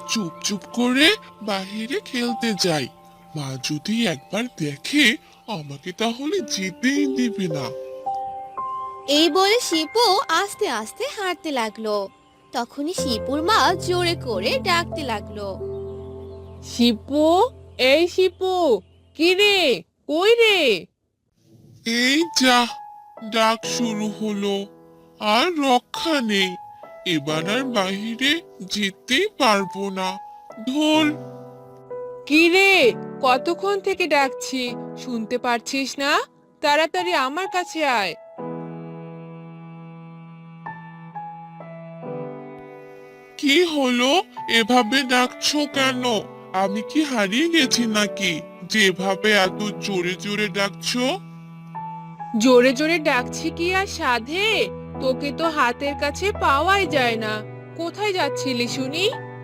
চুপ চুপ করে বাহিরে খেলতে যাই। মা যদি একবার দেখে আমাকে তাহলে যেতেই দিবে না। এই বলে শিপু আস্তে আস্তে হাঁটতে লাগলো। তখনই শিপুর মা জোরে করে ডাকতে লাগলো। শিপু, এই শিপু, কি রে, কই রে? এই যা, ডাক শুরু হলো, আর রক্ষা নেই। এবার আর বাহিরে যেতেই পারবো না। ধুর। কি রে, কতক্ষণ থেকে ডাকছি, শুনতে পারছিস না? তাড়াতাড়ি আমার কাছে আয়। কি হলো? এভাবে ডাকছো কেন? আমি কি হারিয়ে গেছি নাকি, যেভাবে এত জোরে জোরে ডাকছো? জোরে জোরে ডাকছি কি আর সাধে? তোকে তো হাতের কাছে পাওয়াই যায় না। কোথায় যাচ্ছিলি শুনি?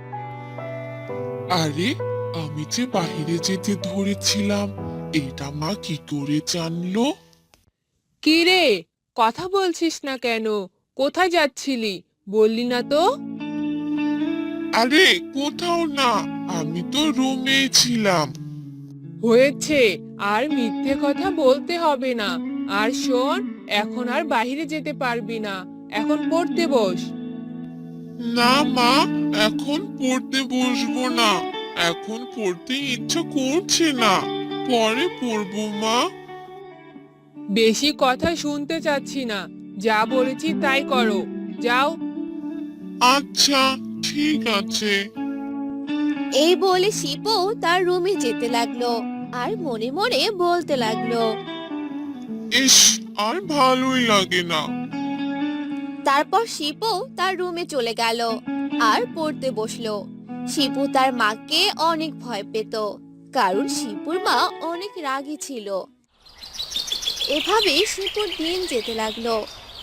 আরে, আমি যে বাইরে যেতে ধরেছিলাম, এটা মা কি করে জানলো? কি রে, কথা বলছিস না কেন? কোথায় যাচ্ছিলি, বললি না তো? আরে কোথাও না, আমি তো রুমেই ছিলাম। হয়েছে, আর মিথ্যে কথা বলতে হবে না। আর শোন, এখন আর বাইরে যেতে পারবি না। এখন পড়তে বস। না মা, এখন পড়তে বসবো না। এখন পড়তে ইচ্ছা করছে না। পরে পড়বো মা। বেশি কথা শুনতে চাচ্ছি না। যা বলেছি তাই করো। যাও। আচ্ছা, ঠিক আছে। এই বলে শিপু তার রুমে যেতে লাগলো আর মনে মনে বলতে লাগলো। ইস, আর ভালোই লাগে না। তারপর শিপু তার রুমে চলে গেল আর পড়তে বসলো। শিপু তার মাকে অনেক ভয় পেত, কারণ শিপুর মা অনেক রাগী ছিল। এভাবেই শিপুর দিন যেতে লাগলো।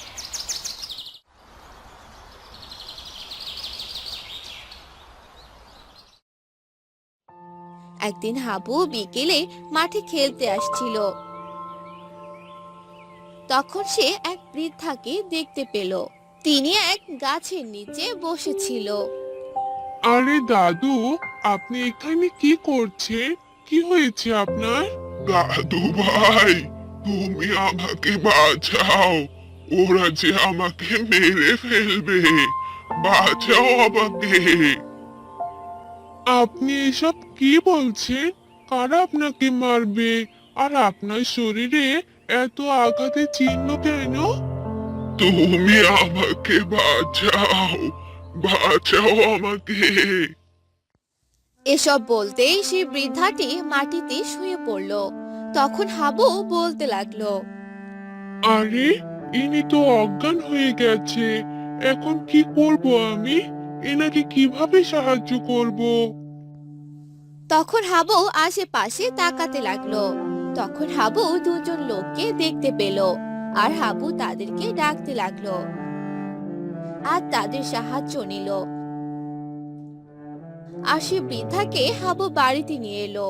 একদিন হাবু বিকেলে মাঠে খেলতে আসছিল। তখন সে এক বৃদ্ধাকে দেখতে পেল। তিনি এক গাছের নিচে বসেছিল। আরে দাদু, আপনি এখানে কি করছেন? কি হয়েছে আপনার? দাদু ভাই, তুমি আমাকে বাঁচাও। ওরা যে আমাকে মেরে ফেলবে। বাঁচাও আমাকে। আপনি এসব কি বলছেন? কারা আপনাকে মারবে? আর আপনার শরীরে এত আঘাতের চিহ্ন কেন? তুমি আমাকে বাঁচাও। বাঁচাও আমাকে। এসব বলতেই সেই বৃদ্ধাটি মাটিতে শুয়ে পড়ল। তখন হাবু বলতে লাগলো। আরে, ইনি তো অজ্ঞান হয়ে গেছে। এখন কি করব আমি? এনাকে কিভাবে সাহায্য করব? তখন হাবু আশেপাশে তাকাতে লাগলো। তখন হাবু দুজন লোককে দেখতে পেল, আর হাবু তাদেরকে ডাকতে লাগলো আর তাদের সাহায্য নিল। আর সে বৃদ্ধাকে হাবু বাড়িতে নিয়ে এলো।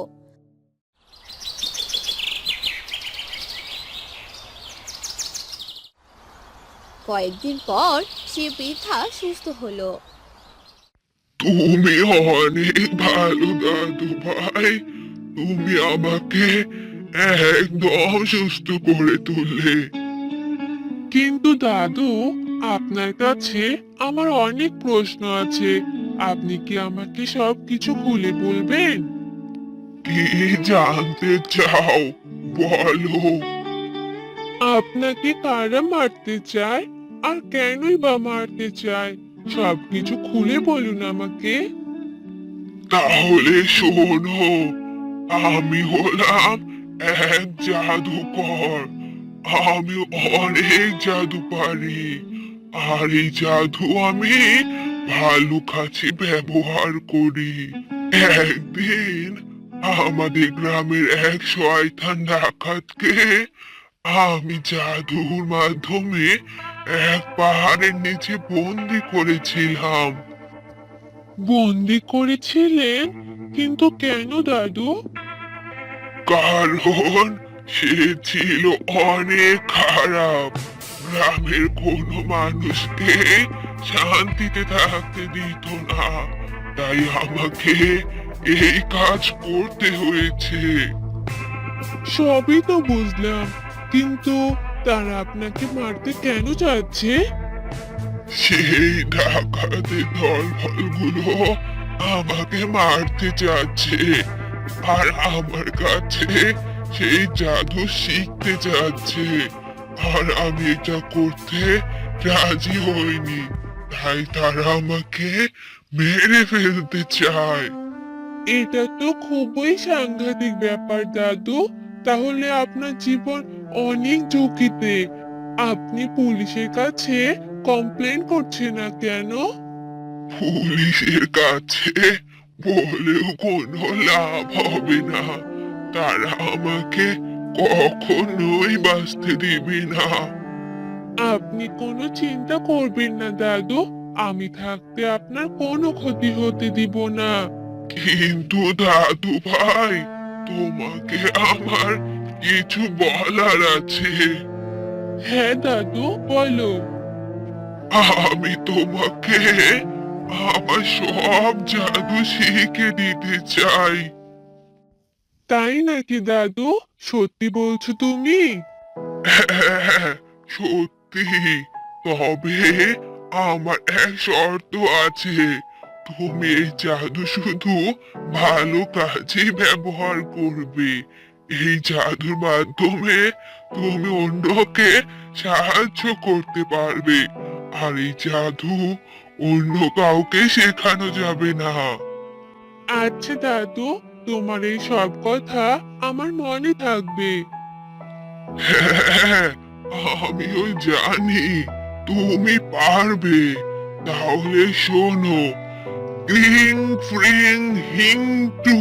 কয়েকদিন পর সে বৃদ্ধা সুস্থ হলো। তুমি অনেক ভালো দাদু ভাই। তুমি আমাকে একদম সুস্থ করে তুললে। কিন্তু দাদু, আপনার কাছে আমার অনেক প্রশ্ন আছে। আপনি কি আমাকে সবকিছু খুলে বলবেন? কি জানতে চাও, বলো। আপনাকে কারা মারতে চায়, আর কেনই বা মারতে চায়? সবকিছু খুলে বলুন আমাকে। তাহলে শোনো, আমি হলাম এক জাদুকর। আমি অনেক জাদু পারি। আর এই জাদু আমি ভালো কাছে ব্যবহার করি। একদিন আমাদের গ্রামের এক শয়তান ডাকাতকে আমি জাদুর মাধ্যমে এক পাহাড়ের নিচে বন্দি করেছিলাম। বন্দি করেছিলেন? কিন্তু কেন দাদু? কারণ সে ছিল অনেক খারাপ। গ্রামের কোনো মানুষকে শান্তিতে থাকতে দিত না। তাই আমাকে এই কাজ করতে হয়েছে। সবই তো বুঝলাম, কিন্তু তারা আপনাকে মারতে কেন চাচ্ছে? সেই ডাকাতের দলবলগুলো আমাকে মারতে চাচ্ছে, আর আমার কাছে সেই জাদু শিখতে চাচ্ছে, আর আমি এটা করতে রাজি হইনি, তাই তারা আমাকে মেরে ফেলতে চায়। এটা তো খুবই সাংঘাতিক ব্যাপার দাদু। তাহলে আপনার জীবন অনেক ঝুঁকিতে। আপনি পুলিশের কাছে কমপ্লেন করছেন না কেন? পুলিশের কাছে বলেও কোনো লাভ হবে না। তারা আমাকে কখনোই বাঁচতে দিবে না। আপনি কোনো চিন্তা করবেন না দাদু, আমি থাকতে আপনার কোনো ক্ষতি হতে দিব না। কিন্তু দাদু ভাই, তোমাকে আমার কিছু বলার আছে। হ্যাঁ দাদু, বলো। আমি তোমাকে আমার সব জাদু শিখে দিতে চাই। তাই নাকি দাদু? সত্যি বলছো তুমি? হ্যাঁ, সত্যি। তবে আমার এক শর্ত আছে। তুমি এই জাদু শুধু ভালো কাজে ব্যবহার করবে। এই জাদুর মাধ্যমে তুমি অন্যকে সাহায্য করতে পারবে, আর এই জাদু অন্য কাউকে শেখানো যাবে না। আচ্ছা দাদু, তোমার এই সব কথা আমার মনে থাকবে। হ্যাঁ, আমিও জানি তুমি পারবে। তাহলে শোনো, ক্রিং ফ্রিং হিং টু।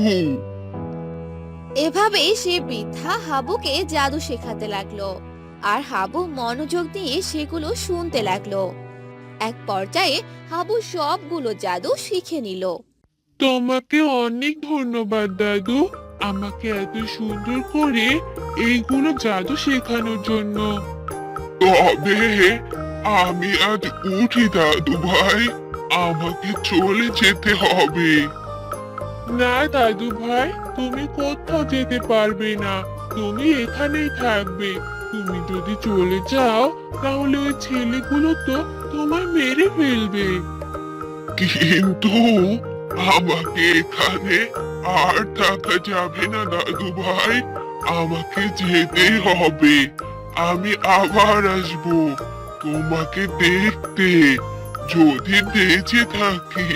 এভাবেই সে বৃদ্ধা হাবুকে জাদু শেখাতে লাগলো, আর হাবু মনোযোগ দিয়ে সেগুলো শুনতে লাগলো। এক পর্যায়ে হাবু সবগুলো জাদু শিখে নিল। তোমাকে অনেক ধন্যবাদ দাদু, আমাকে এত সুন্দর করে এইগুলো জাদু শেখানোর জন্য। তবে আমি আজ উঠি দাদু ভাই, আমাকে চলে যেতে হবে। না দাদু ভাই, তুমি কোথাও যেতে পারবে না, তুমি এখানেই থাকবে। তুমি যদি চলে যাও তাহলে ওই ছেলেগুলো তো তোমায় মেরে ফেলবে। কিন্তু আমাকে এখানে আর থাকা যাবে না দাদু ভাই, আমাকে যেতেই হবে। আমি আবার আসবো তোমাকে দেখতে, যদি বেঁচে থাকি।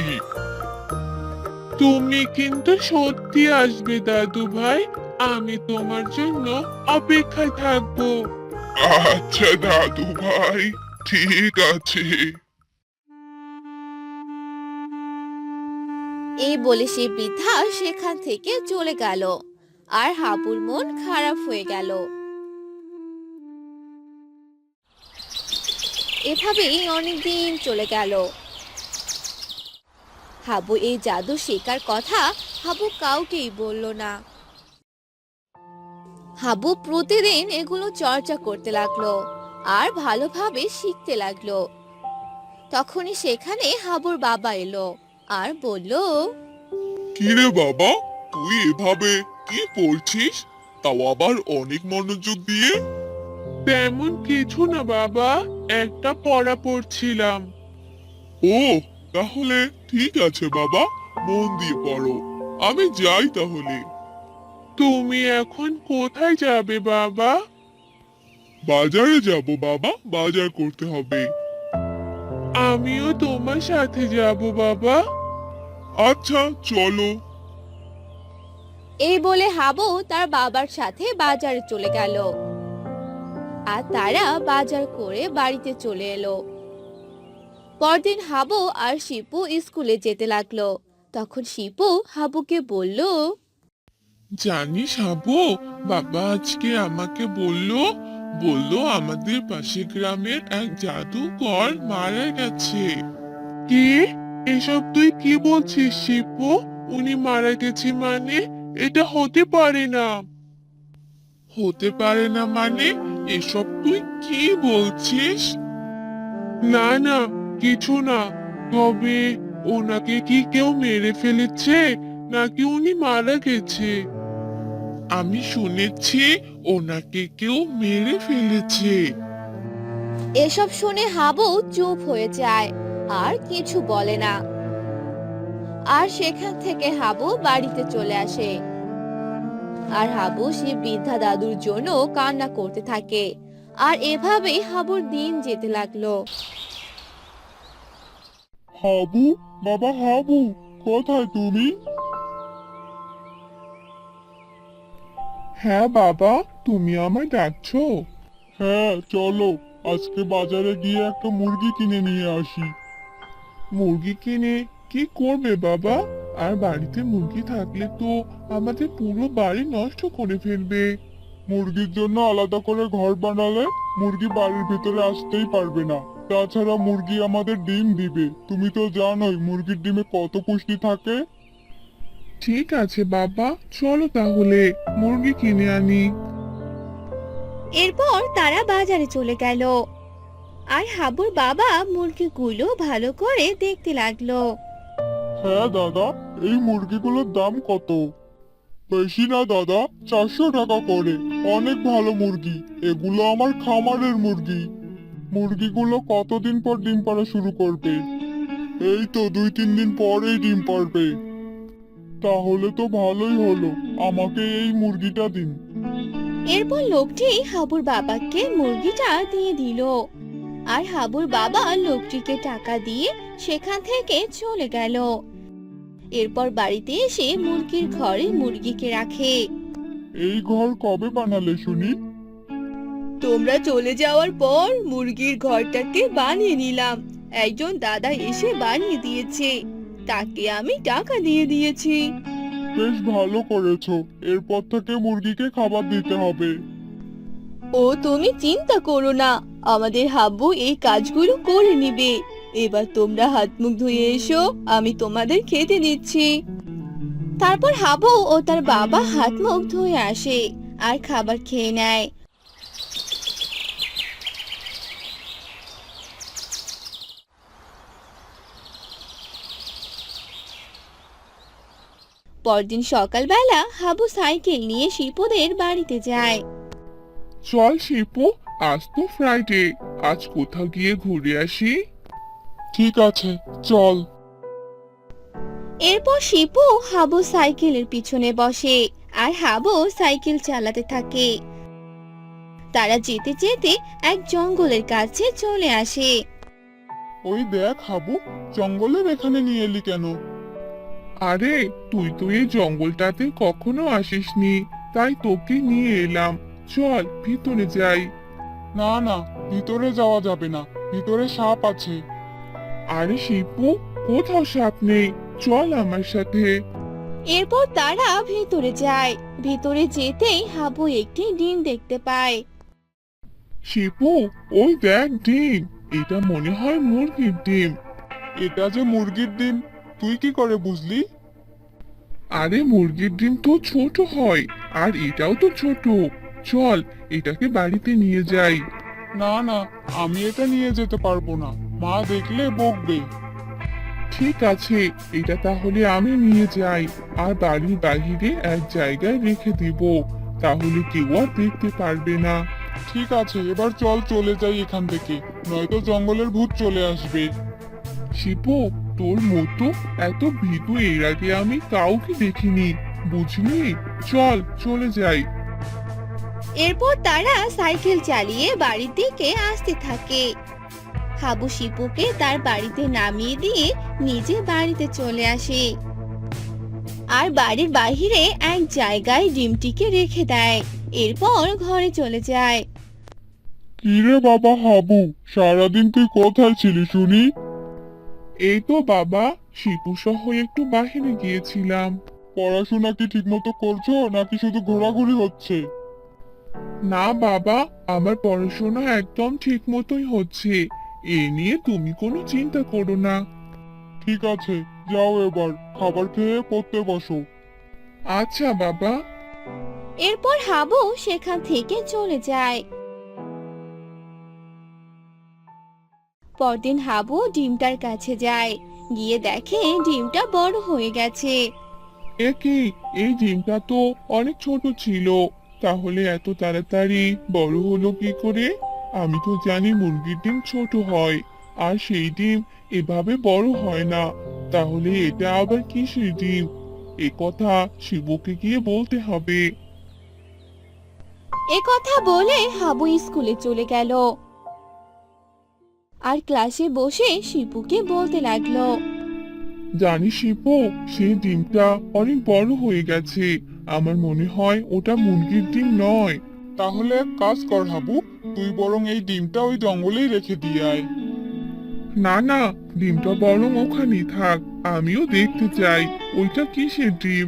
তুমি কিন্তু সত্যি আসবে দাদু ভাই, আমি তোমার জন্য অপেক্ষায় থাকবো। আচ্ছা দাদু ভাই, ঠিক আছে। এই বলে সে বৃদ্ধা সেখান থেকে চলে গেল, আর হাবুর মন খারাপ হয়ে গেল। এভাবেই অনেকদিন চলে গেল। হাবু এই জাদু শেখার কথা হাবু কাউকেই বলল না। হাবু প্রতিদিন এগুলো চর্চা করতে লাগলো, আর ভালোভাবে শিখতে লাগলো। তখনই সেখানে হাবুর বাবা এলো আর বলল, কিরে বাবা, তুই এভাবে কি পড়ছিস, তাও আবার অনেক মনোযোগ দিয়ে? তেমন কিছু না বাবা, একটা পড়া পড়ছিলাম। ও, তাহলে ঠিক আছে বাবা, মন দিয়ে পড়ো। আমি যাই তাহলে। তুমি এখন কোথায় যাবে বাবা? বাজারে যাব বাবা, বাজার করতে হবে। আমিও তোমার সাথে যাব বাবা। আচ্ছা, চলো। এই বলে হাবু তার বাবার সাথে বাজারে চলে গেল, আর তারা বাজার করে বাড়িতে চলে এলো। পরদিন হাবু আর শিপু স্কুলে যেতে লাগলো। তখন শিপু হাবুকে বলল, জানিস হাবু, বাবা আজকে আমাকে বললো আমাদের পাশের গ্রামের এক জাদুকর মারা গেছে। কি? এসব তুই কি বলছিস শিপু? উনি মারা গেছে মানে? এটা হতে পারে না। হতে পারে না মানে? এসব তুই কি বলছিস? না না, কিছু না। তবে ওনাকে কি কেউ মেরে ফেলেছে নাকি উনি মারা গেছে? আমি শুনেছি ওনাকে কেউ মেরে ফেলেছে। এসব শুনে হাবু চুপ হয়ে যায় আর কিছু বলে না। আর সেখান থেকে হাবু বাড়িতে চলে আসে। আর হাবু সে বৃদ্ধা দাদুর জন্য কান্না করতে থাকে। আর এভাবেই হাবুর দিন যেতে লাগলো। হাবু, বাবা হাবু, কোথায় তুমি? হ্যাঁ বাবা, তুমি আমায় ডাকছো? হ্যাঁ চলো, আজকে বাজারে গিয়ে একটা মুরগি কিনে নিয়ে আসি। মুরগি কিনে কি করবে বাবা? আর বাড়িতে মুরগি থাকলে তো আমাদের পুরো বাড়ি নষ্ট করে ফেলবে। মুরগির জন্য আলাদা করে ঘর বানালে মুরগি বাড়ির ভিতরে আসতেই পারবে না। তাছাড়া মুরগি আমাদের ডিম দিবে, তুমি তো জানোই মুরগির ডিমে কত পুষ্টি থাকে। ঠিক আছে বাবা, চলো তাহলে মুরগি কিনে আনি। এরপর তারা বাজারে চলে গেল। আর হাবুর বাবা মুরগিগুলো ভালো করে দেখতে লাগলো। হ্যাঁ দাদা, এই মুরগিগুলোর দাম কত? বেশি না দাদা, 400 টাকা করে। অনেক ভালো মুরগি, এগুলো আমার খামারের মুরগি। মুরগিগুলো কতদিন পর ডিম পাড়া শুরু করবে? এই তো 2-3 দিন পরেই ডিম পাড়বে। তাহলে তো ভালোই হলো, আমাকে এই মুরগিটা দিন। এরপর লোকটি হাবুর বাবাকে মুরগিটা দিয়ে দিল। আর হাবুর বাবা লোকটিকে টাকা দিয়ে সেখান থেকে চলে গেল। এরপর বাড়িতে এসে মুরগির ঘরে মুরগিকে রাখে। এই ঘর কবে বানালে শুনি? তোমরা চলে যাওয়ার পর মুরগির ঘরটাকে বানিয়ে নিলাম। একজন দাদা এসে বানিয়ে দিয়েছে, তাকে আমি টাকা দিয়ে দিয়েছি। বেশ ভালো করেছো, এরপর থেকে মুরগিকে খাবার দিতে হবে। ও তুমি চিন্তা করো না, আমাদের হাব্বু এই কাজগুলো করে নিবে। এবার তোমরা হাত মুখ ধুয়ে এসো, আমি তোমাদের খেতে দিচ্ছি। তারপর হাবু ও তার বাবা হাত মুখ ধুয়ে আসে আর খাবার খেয়ে নেয়। পরদিন সকালবেলা হাবু সাইকেল নিয়ে শিপুদের বাড়িতে যায়। চল শিপু, আজ তো ফ্রাইডে, আজ কোথাও গিয়ে ঘুরে আসি। ঠিক আছে, চল। এরপর শিপু হাবু সাইকেলের পিছনে বসে আর হাবু সাইকেল চালাতে থাকে। তারা যেতে যেতে এক জঙ্গলের কাছে চলে আসে। ওই দেখ হাবু, জঙ্গলের এখানে নিয়ে এলি কেন? আরে তুই তো এই জঙ্গলটাতে কখনো আসিসনি, তাই তোকে নিয়ে এলাম। চল ভিতরে যাই। না না, ভিতরে যাওয়া যাবে না, ভিতরে সাপ আছে। আরে শিপু, কোথাও সাপ নেই, চল আমার সাথে। এরপর তারা ভেতরে যায়। ভেতরে যেতেই হাবু একটি ডিম দেখতে পায়। শিপু, ওই দেখ ডিম, এটা মনে হয় মুরগির ডিম। এটা যে মুরগির ডিম, তুই কি করে বুঝলি? আরে মুরগির ডিম তো ছোট হয়, আর এটাও তো ছোট। চল এটাকে বাড়িতে নিয়ে যাই। না না, আমি এটা নিয়ে যেতে পারবো না, মা দেখলে বকবে। ঠিক আছে, এটা তাহলে আমি নিয়ে যাই আর বাড়ির বাইরে এক জায়গায় রেখে দিব, তাহলে কেউ আর দেখতে পারবে না। ঠিক আছে, এবার চল চলে যাই এখান থেকে, নয়তো জঙ্গলের ভূত চলে আসবে। শিপু, তোর মতো এত ভীতু এর আগে আমি কাউকে দেখিনি, বুঝলি? চল চলে যাই। এরপর তারা সাইকেল চালিয়ে বাড়ির দিকে আসতে থাকে। হাবু শিপুকে তার বাড়িতে নামিয়ে দিয়ে নিজে বাড়িতে চলে আসে আর বাড়ির বাইরে এক জায়গায় ডিমটিকে রেখে দেয়। এরপর ঘরে চলে যায়। কিরে বাবা হাবু, সারাদিন তুই কোথায় ছিলি শুনি? এই তো বাবা, শিপু সহ একটু বাহিরে গিয়েছিলাম। পড়াশোনা কি ঠিকমতো করছো নাকি শুধু ঘোরাঘুরি হচ্ছে? না বাবা, আমার পড়াশোনা একদম ঠিক মতোই হচ্ছে, এ নিয়ে তুমি কোনো চিন্তা করো না। ঠিক আছে, যাও এবার খাবার খেয়ে পড়তে বসো। আচ্ছা বাবা। এরপর হাবু সেখান থেকে চলে যায়। পরদিন হাবু ডিমটার কাছে যায় গিয়ে দেখে ডিমটা বড় হয়ে গেছে। এ কি, এই ডিমটা তো অনেক ছোট ছিল, তাহলে এত তাড়াতাড়ি বড় হলো কি করে? আমি তো জানি মুরগির ডিম ছোট হয়, আর সেই ডিম এভাবে বড় হয় না। তাহলে এটা আবার কিসের ডিম? এ কথা শিবুকে গিয়ে বলতে হবে। এ কথা বলে হাবু স্কুলে চলে গেল আর ক্লাসে বসে শিপুকে বলতে লাগলো। জানিস শিপু, সেই ডিমটা অনেক বড় হয়ে গেছে। আমার মনে হয় ওটা মুরগির ডিম নয়। তাহলে এক কাজ কর হাবু, তুই বরং এই ডিমটা ওই জঙ্গলেই রেখে দিয়ে আয়। না না, ডিমটা বরং ওখানেই থাক, আমিও দেখতে চাই ওইটা কিসের ডিম।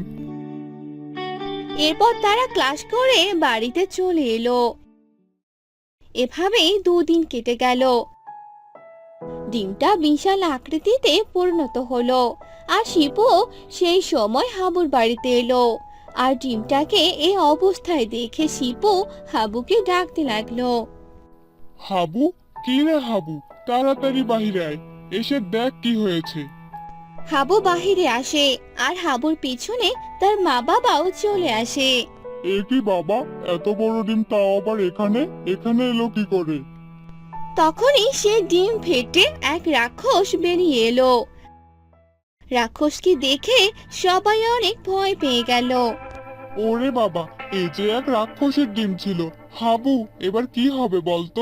এরপর তারা ক্লাস করে বাড়িতে চলে এলো। এভাবেই 2 দিন কেটে গেল। ডিমটা বিশাল আকৃতিতে পরিণত হলো আর শিপু সেই সময় হাবুর বাড়িতে এলো। আর ডিমটাকে এই অবস্থায় দেখে শিপু হাবুকে ডাকতে লাগলো। হাবু, কি রে হাবু, তাড়াতাড়ি বাহিরে আয়, এসে দেখ কি হয়েছে। হাবু বাহিরে আসে আর হাবুর পিছনে তার মা বাবাও চলে আসে। এ কি বাবা, এত বড় ডিম তাও আবার এখানে এখানে এলো কি করে? তখনই সে ডিম ফেটে এক রাক্ষস বেরিয়ে এলো। রাক্ষসকে দেখে সবাই অনেক ভয় পেয়ে গেল। ওরে বাবা, এই যে এক রাক্ষসের ডিম ছিল। হাবু, এবার কি হবে বলতো?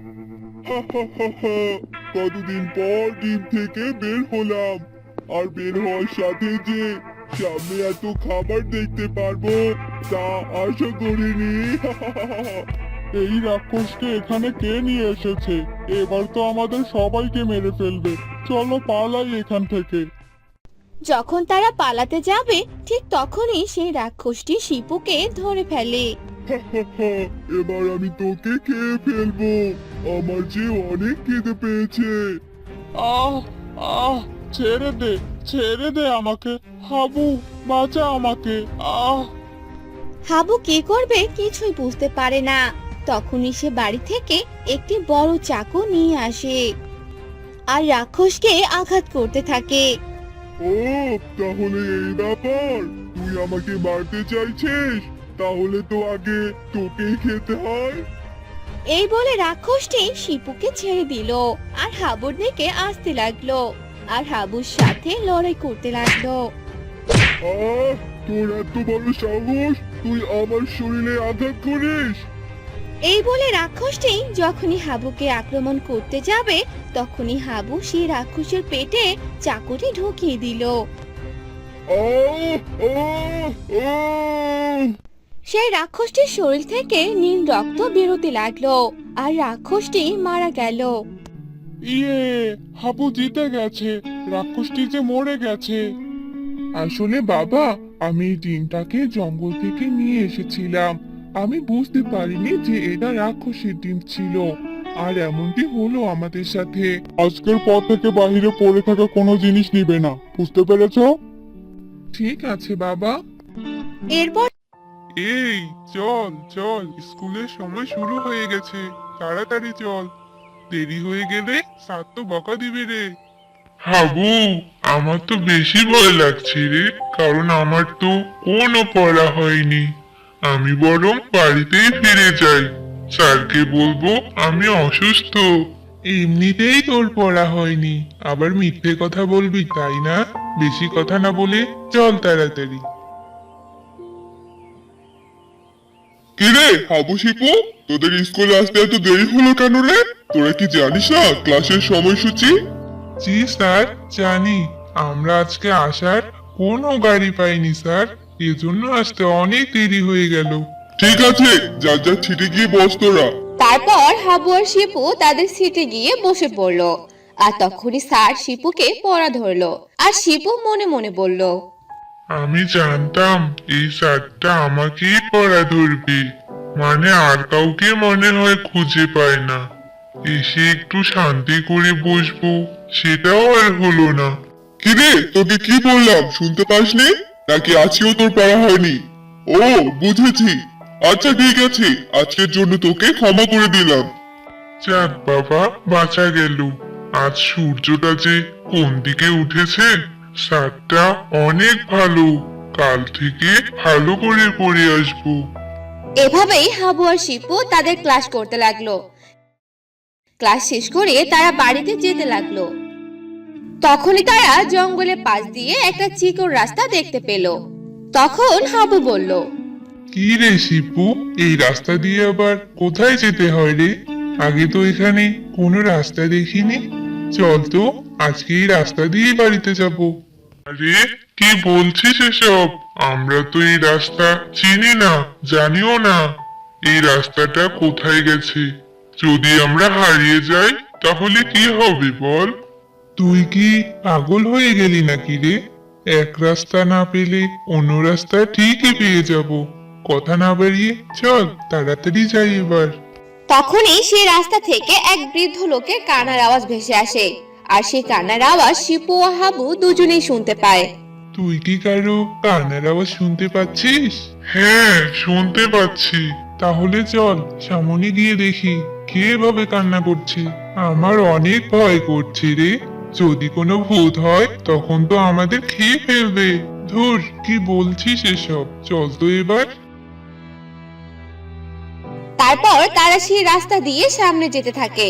কতদিন পর ডিম থেকে বের হলাম, আর বের হওয়ার সাথে যে সামনে এত খাবার দেখতে পারবো তা আশা করিনি। এই রাক্ষসকে এখানে কে নিয়ে এসেছে? এবার তো আমাদের সবাইকে মেরে ফেলবে। চলো পালাই এখান থেকে। যখন তারা পালাতে যাবে ঠিক তখনই সেই রাক্ষসটি শিপুকে ধরে ফেলে। এবার আমি তোকে খেয়ে ফেলবো, আমার যে অনেক খিদে পেয়েছে। আহ আহ, ছেড়ে দে আমাকে, হাবু, বাঁচা আমাকে। আহ হাবু কি করবে কিছুই বুঝতে পারে না। তখনই সে বাড়ি থেকে একটি বড় চাকু নিয়ে আসে আর রাক্ষসকে আঘাত করতে থাকে। ও, তাহলে এই ব্যাপার, তুই আমাকে মারতে চাইছিস? তাহলে তো আগে তোকেই খেতে হয়। এই বলে রাক্ষসটি শিপুকে ছেড়ে দিল আর হাবুর দিকে আসতে লাগলো আর হাবুর সাথে লড়াই করতে লাগলো। আহ, তোর এত বড় সাহস, তুই আমার শরীরে আঘাত করিস? এই বলে রাক্ষসটি যখনই হাবুকে আক্রমণ করতে যাবে তখনই হাবু সেই রাক্ষসের পেটে চাকুটি ঢুকিয়ে দিল। আহ আহ আহ সেই রাক্ষসটির শরীর থেকে নীল রক্ত বেরোতে লাগলো আর রাক্ষসটি মারা গেল। ইয়ে, হাবু জিতে গেছে, রাক্ষসটি যে মরে গেছে। আসলে বাবা, আমি এই ডিমটাকে জঙ্গল থেকে নিয়ে এসেছিলাম। আমি বুঝতে পারিনি যে এটা রাক্ষসের ডিম ছিল, আর এমনটি হলো আমাদের সাথে। আজকের পর থেকে বাইরে পড়ে থাকা কোনো জিনিস নিবে না, বুঝতে পেরেছো? ঠিক আছে বাবা। এরপর এই, চল চল, স্কুলের সময় শুরু হয়ে গেছে, তাড়াতাড়ি চল, দেরি হয়ে গেলে স্যার তো বকা দিবে রে। হাবু, আমার তো বেশি ভয় লাগছে রে, কারণ আমার তো কোনো পড়া হয়নি। আমি বরং বাড়িতেই ফিরে যাই, স্যারকে বলবো আমি অসুস্থ। এমনিতেই তোর পড়া হয়নি, আবার মিথ্যে কথা বলবি তাই না? বেশি কথা না বলে চল তাড়াতাড়ি। কিরে হাবু শিপু, তোদের স্কুলে আসতে এত দেরি হলো কেন রে? তোরা কি জানিস না ক্লাসের সময়সূচি? জি স্যার, জানি। আমরা আজকে আসার কোনো গাড়ি পাইনি স্যার, এজন্য আসতে অনেক দেরি হয়ে গেল। ঠিক আছে, যার যার ছিটে গিয়ে বস তোরা। তারপর হাবু আর শিপু তাদের সিটে গিয়ে বসে পড়লো আর তখনই স্যার শিপুকে পড়া ধরলো আর শিপু মনে মনে বলল, আমি জানতাম এই স্যারটা আমাকেই পড়া ধরবে, মানে আর কাউকে মনে হয় খুঁজে পায় না। এসে একটু শান্তি করে বসবো, সেটাও আর হলো না। কিরে, তোকে কি বললাম শুনতে পাসনি? নাকি আজকেও তোর পড়া হয়নি? ও, বুঝেছি। আচ্ছা ঠিক আছে, আজকের জন্য তোকে ক্ষমা করে দিলাম। যাক বাবা, বাঁচা গেল। আজ সূর্যটা যে কোন দিকে উঠেছে, সাতটা অনেক ভালো। কাল থেকে ভালো করে পড়ে আসবো। এভাবেই হাবু আর শিপু তাদের ক্লাস করতে লাগলো। ক্লাস শেষ করে তারা বাড়িতে যেতে লাগলো। তখনই তারা জঙ্গলের পাশ দিয়ে একটা চিকন রাস্তা দেখতে পেল। তখন হাবু বলল, কি রে শিপু, এই রাস্তা দিয়ে আবার কোথায় যেতে হয় রে? আগে তো এখানে কোনো রাস্তা দেখিনি। চল তো, আজকে এই রাস্তা দিয়ে বাড়িতে যাব। আরে কি বলছিস এসব? আমরা তো এই রাস্তা চিনি না, জানিও না। এই রাস্তাটা কোথায় গেছে? যদি আমরা হারিয়ে যাই তাহলে কি হবে বল? তুই কি পাগল হয়ে গেলি নাকি রে? এক রাস্তা না পেলে অন্য রাস্তা ঠিকই পেয়ে যাব। কথা না বাড়িয়ে চল, তাড়াতাড়ি যাই এবার। তখনই সেই রাস্তা থেকে এক বৃদ্ধ লোকের কান্নার আওয়াজ ভেসে আসে। আর সেই কান্নার আওয়াজ শিপু ও হাবু দুজনেই শুনতে পায়। তুই কি কারো কান্নার আওয়াজ শুনতে পাচ্ছিস? হ্যাঁ, শুনতে পাচ্ছি। তাহলে চল সামনে গিয়ে দেখি কে এভাবে কান্না করছে। আমার অনেক ভয় করছে রে। যদি কোনো ভূত হয় তখন তো আমাদের খেয়ে ফেলবে। ধুর, কি বলছিস এসব? চল তো এবার। তারপর তারা সেই রাস্তা দিয়ে সামনে যেতে থাকে।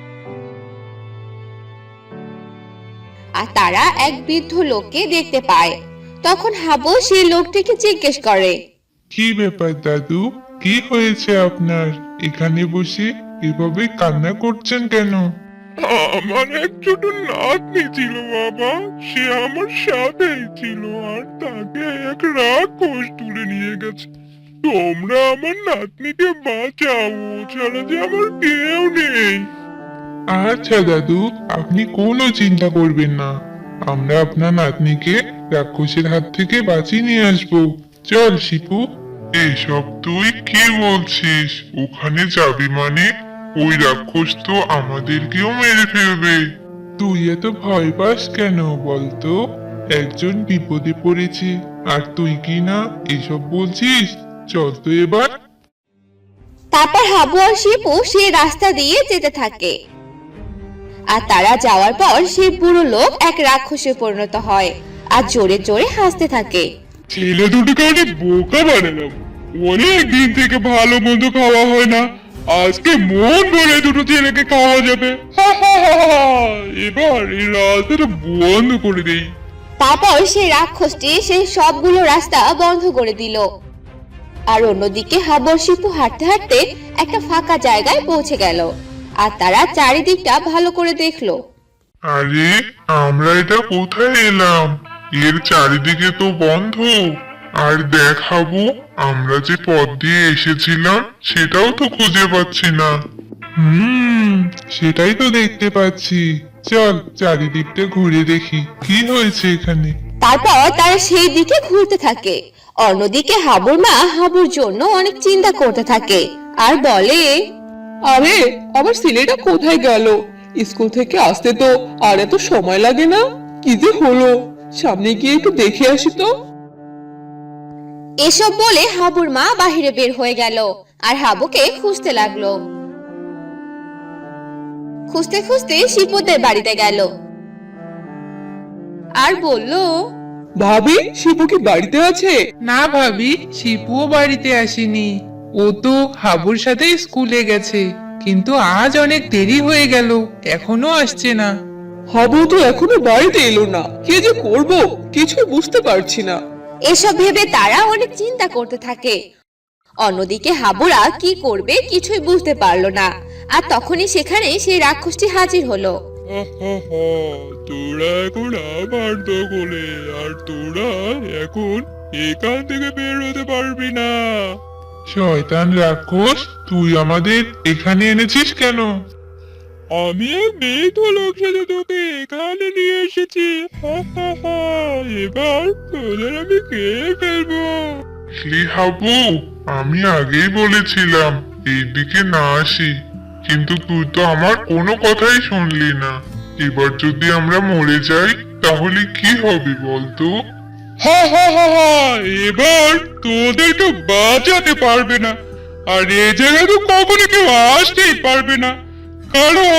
আর তারা এক বৃদ্ধ লোককে দেখতে পায়। তখন হাবু সেই লোকটিকে জিজ্ঞেস করে, কি ব্যাপার দাদু, কি হয়েছে আপনার? এখানে বসে এভাবে কান্না করছেন কেন? আমার এক ছোট নাতনি ছিল বাবা, সে আমার সাথেই ছিল আর তাকে এক রাক্ষস তুলে নিয়ে গেছে। তোমরা আমার নাতনিকে বাঁচাও, ও ছাড়া যে আমার কেউ নেই। আচ্ছা দাদু, আপনি কোনো চিন্তা করবেন না। আমরা আপনার নাতনিকে রাক্ষসের হাত থেকে বাঁচিয়ে নিয়ে আসবো। চল শিপু। এসব তুই কি বলছিস? ওখানে যাবি মানে ওই রাক্ষস তো আমাদেরকেও মেরে ফেলবে। তুই এত ভয় পাস কেন বলতো? একজন বিপদে পড়েছে আর তুই কি না এসব বলছিস? চল তো এবার। তারপর হাবু আর শিপু সেই রাস্তা দিয়ে যেতে থাকে। আর তারা যাওয়ার পর সেই বুড়ো লোক এক রাক্ষসে পরিণত হয় আর জোরে জোরে হাসতে থাকে। ছেলে দুটোকে অনেক বোকা বানালাম। অনেক দিন থেকে ভালো মন্দ খাওয়া হয় না, আজকে মন ভরে দুটো ছেলেকে খাওয়া যাবে। হা হা হা হা। এবার এই রাস্তাটা বন্ধ করে দেই। তারপর সেই রাক্ষসটি সেই সবগুলো রাস্তা বন্ধ করে দিল। আর অন্যদিকে হাবু আর শিপু হাঁটতে হাঁটতে একটা ফাঁকা জায়গায় পৌঁছে গেল। আর তারা চারিদিকটা ভালো করে দেখলো। আরে, আমরা এটা কোথায় এলাম? এর চারিদিকে তো বন্ধ। আর দেখাবো, আমরা যে পথ দিয়ে এসেছিলাম সেটাও তো খুঁজে পাচ্ছি না। সেটাই তো দেখতে পাচ্ছি। চল চারিদিকটা ঘুরে দেখি কি হয়েছে এখানে। তারপর তারা সেই দিকে ঘুরতে থাকে। অন্যদিকে হাবুর মা হাবুর জন্য অনেক চিন্তা করতে থাকে আর বলে, আরে আমার ছেলেটা কোথায় গেল? স্কুল থেকে আসতে তো আর এত সময় লাগে না। কি যে হলো, সামনে গিয়ে একটু দেখে আসি তো। এসব বলে হাবুর মা বাহিরে বের হয়ে গেল আর হাবুকে খুঁজতে লাগলো। খুঁজতে খুঁজতে শিপুদের বাড়িতে গেল আর বলল, ভাবি, শিপু কি বাড়িতে আছে? না ভাবি, শিপুও বাড়িতে আসেনি। ও তো হাবুর সাথে স্কুলে গেছে, কিন্তু আজ অনেক দেরি হয়ে গেল, এখনো আসছে না। হাবু তো এখনো বাড়িতে এলো না, কি যে করব কিছু বুঝতে পারছি না। এসব ভেবে তারা অনেক চিন্তা করতে থাকে। অন্যদিকে হাবুরা কি করবে কিছুই বুঝতে পারলো না। আর তখনই সেখানে সেই রাক্ষসটি হাজির হলো। তোরা এখন আমার দখলে, আর তোরা এখন এখান থেকে বের হতে পারবি না। শয়তান রাক্ষস, তুই আমাদের এখানে এনেছিস কেন? আমি এক বৃদ্ধ লোক সাথে তোকে এখানে নিয়ে এসেছি। হা হা হা। এবার তোদের আমি খেয়ে ফেলবো। হাবু, আমি আগেই বলেছিলাম এইদিকে না আসি, কিন্তু তুই তো আমার কোনো কথাই শুনলি না। এবার যদি আমরা মরে যাই তাহলে কি হবে বলতো? হা হা হা হা। এবার তোদেরকে বাঁচাতে পারবে না, আর এই জায়গায় তো কখনো কেউ আসতেই পারবে না, কারণ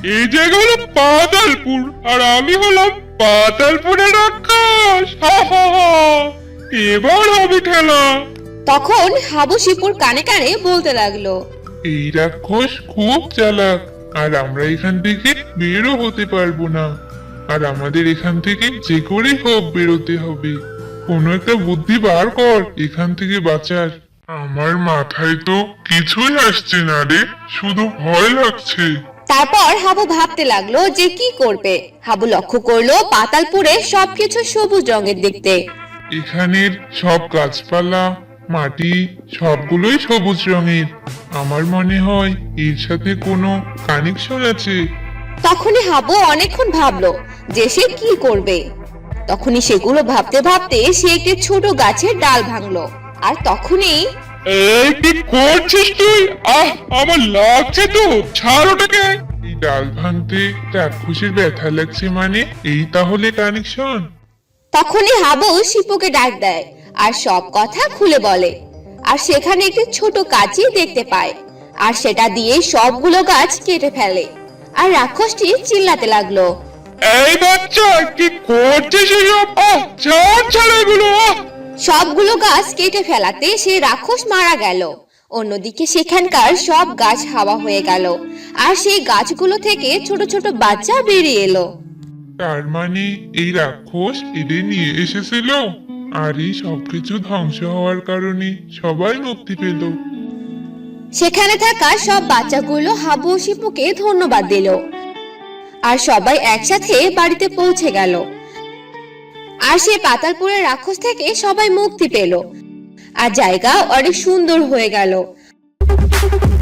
এই জায়গা হলো পাতালপুর আর আমি হলাম পাতালপুরের রাক্ষস। হা হা হা, এবার হবে খেলা। তখন হাবু শিপুর কানে কানে বলতে লাগলো, এই রাক্ষস খুব চালাক, আর আমরা এখান থেকে বেরো হতে পারবো না। আর আমাদের এখান থেকে যে করে হোক বেরোতে হবে। কোনো একটা বুদ্ধি বার কর এখান থেকে বাঁচার। আমার মাথায় তো কিছুই আসছে না রে, শুধু ভয় লাগছে। তারপর হাবু ভাবতে লাগলো যে কি করবে। হাবু লক্ষ্য করলো পাতালপুরে সবকিছু সবুজ রঙের দেখতে। এখানের সব গাছপালা, মাটি সবগুলোই সবুজ রঙের। আমার মনে হয় এর সাথে কোনো কানেকশন আছে। তখনই হাবু অনেকক্ষণ ভাবলো যে সে কি করবে। তখনই সেগুলো ভাবতে ভাবতে সে একটি ছোট গাছের ডাল ভাঙলো। আর তখনই এই কি করছিস তুই? আমার লাগছে তো, ছাড় ওটাকে। এই ডাল ভাঙতে রাক্ষসের ব্যথা লাগছে মানে এই তাহলে কানেকশন। তখনই হাবু শিপুকে ডাক দেয় আর সব কথা খুলে বলে। আর সেখানে একটি ছোট কাঁচি দেখতে পায়, আর সেটা দিয়ে সবগুলো গাছ কেটে ফেলে। আর রাক্ষসটি চিল্লাতে লাগলো, এই বাচ্চা কি করছিস এসব? ছাড় ছাড় এগুলো। সবগুলো গাছ কেটে ফেলাতে সে রাক্ষস মারা গেল। অন্যদিকে সেখানকার সব গাছ হাওয়া হয়ে গেল, আর সেই গাছগুলো থেকে ছোট ছোট বাচ্চা বেরিয়ে এলো। তার মানে এই রাক্ষস এদের নিয়ে এসেছিল, আর এই সবকিছু ধ্বংস হওয়ার কারণে সবাই মুক্তি পেল। সেখানে থাকা সব বাচ্চাগুলো হাবু ও শিপুকে ধন্যবাদ দিল। আর সবাই একসাথে বাড়িতে পৌঁছে গেল। আর সে পাতালপুরের রাক্ষস থেকে সবাই মুক্তি পেল, আর জায়গা অনেক সুন্দর হয়ে গেল।